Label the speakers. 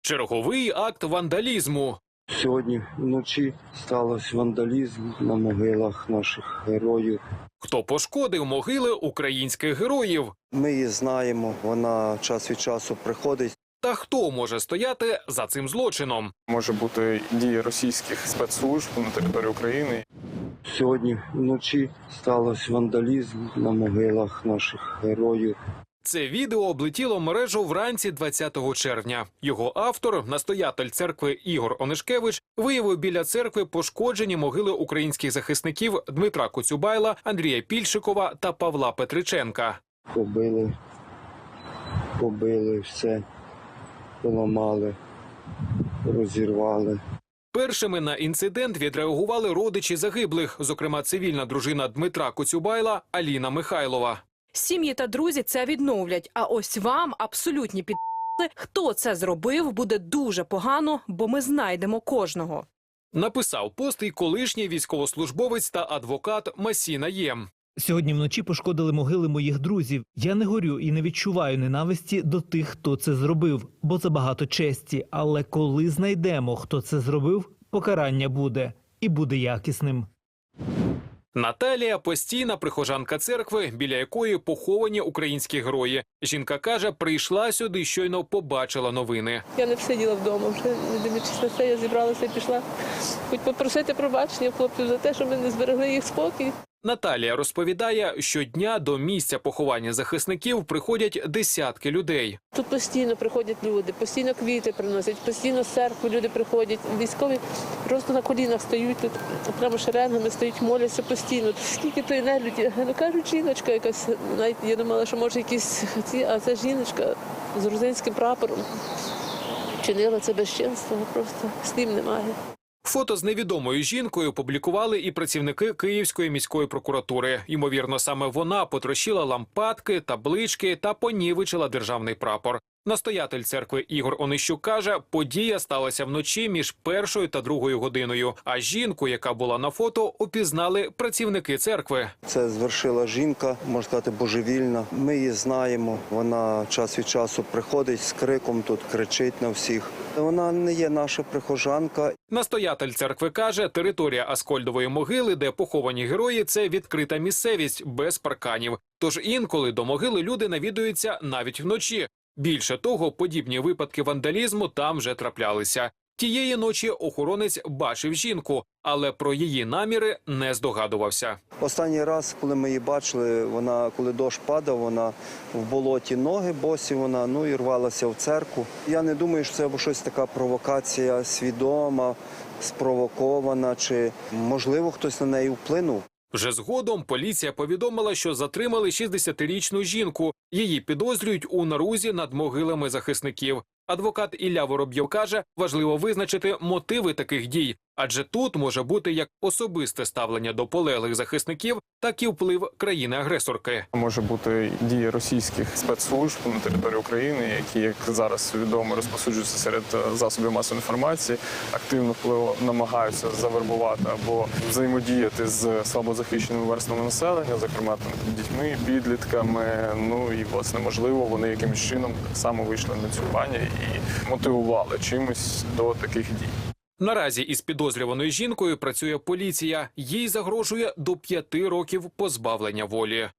Speaker 1: Черговий акт вандалізму.
Speaker 2: Сьогодні вночі стався вандалізм на могилах наших героїв.
Speaker 1: Хто пошкодив могили українських героїв?
Speaker 2: Ми її знаємо, вона час від часу приходить.
Speaker 1: Та хто може стояти за цим злочином?
Speaker 3: Може бути дії російських спецслужб на території України.
Speaker 2: Сьогодні вночі стався вандалізм на могилах наших героїв.
Speaker 1: Це відео облетіло мережу вранці 20 червня. Його автор, настоятель церкви Ігор Онишкевич, виявив біля церкви пошкоджені могили українських захисників Дмитра Коцюбайла, Андрія Пільшикова та Павла Петриченка.
Speaker 2: Побили все, поламали, розірвали.
Speaker 1: Першими на інцидент відреагували родичі загиблих, зокрема цивільна дружина Дмитра Коцюбайла Аліна Михайлова.
Speaker 4: Сім'ї та друзі це відновлять, а ось вам абсолютні хто це зробив, буде дуже погано, бо ми знайдемо кожного.
Speaker 1: Написав пост і колишній військовослужбовець та адвокат Масіна Єм.
Speaker 5: Сьогодні вночі пошкодили могили моїх друзів. Я не горю і не відчуваю ненависті до тих, хто це зробив, бо це багато честі. Але коли знайдемо, хто це зробив, покарання буде. І буде якісним.
Speaker 1: Наталія – постійна прихожанка церкви, біля якої поховані українські герої. Жінка каже, прийшла сюди, щойно побачила новини.
Speaker 6: Я не сиділа вдома, вже не дивлячись на це, я зібралася і пішла. Хоч попросити пробачення хлопців за те, що ми не зберегли їх спокій.
Speaker 1: Наталія розповідає, щодня до місця поховання захисників приходять десятки людей.
Speaker 6: Тут постійно приходять люди, постійно квіти приносять, постійно з церкви люди приходять. Військові просто на колінах стають тут, прямо шеренгами стоять, моляться постійно. Скільки то нелюді. Ну, кажуть, жіночка якась, навіть я думала, що може якісь ці, а це жіночка з грузинським прапором. Чинила це безчинство, просто слів немає.
Speaker 1: Фото з невідомою жінкою публікували і працівники Київської міської прокуратури. Ймовірно, саме вона потрощила лампадки, таблички та понівечила державний прапор. Настоятель церкви Ігор Онищук каже, подія сталася вночі між 1 та 2 годиною. А жінку, яка була на фото, опізнали працівники церкви.
Speaker 2: Це звершила жінка, можна сказати, божевільна. Ми її знаємо, вона час від часу приходить з криком, тут кричить на всіх. Вона не є наша прихожанка.
Speaker 1: Настоятель церкви каже, територія Аскольдової могили, де поховані герої, це відкрита місцевість, без парканів. Тож інколи до могили люди навідуються навіть вночі. Більше того, подібні випадки вандалізму там вже траплялися. Тієї ночі охоронець бачив жінку, але про її наміри не здогадувався.
Speaker 2: Останній раз, коли ми її бачили, вона, коли дощ падав, вона в болоті ноги босі, вона, і рвалася в церкву. Я не думаю, що це або щось така провокація свідома, спровокована, чи, можливо, хтось на неї вплинув.
Speaker 1: Вже згодом поліція повідомила, що затримали 60-річну жінку. Її підозрюють у нарузі над могилами захисників. Адвокат Ілля Воробйов каже, важливо визначити мотиви таких дій, адже тут може бути як особисте ставлення до полеглих захисників, так і вплив країни-агресорки.
Speaker 3: Може бути дії російських спецслужб на території України, які, як зараз відомо, розповсюджуються серед засобів масової інформації, активно намагаються завербувати або взаємодіяти з слабозахищеними верствами населення, зокрема дітьми, підлітками. І, власне, можливо, вони якимось чином саме вийшли на цю пані і мотивували чимось до таких дій.
Speaker 1: Наразі із підозрюваною жінкою працює поліція. Їй загрожує до 5 років позбавлення волі.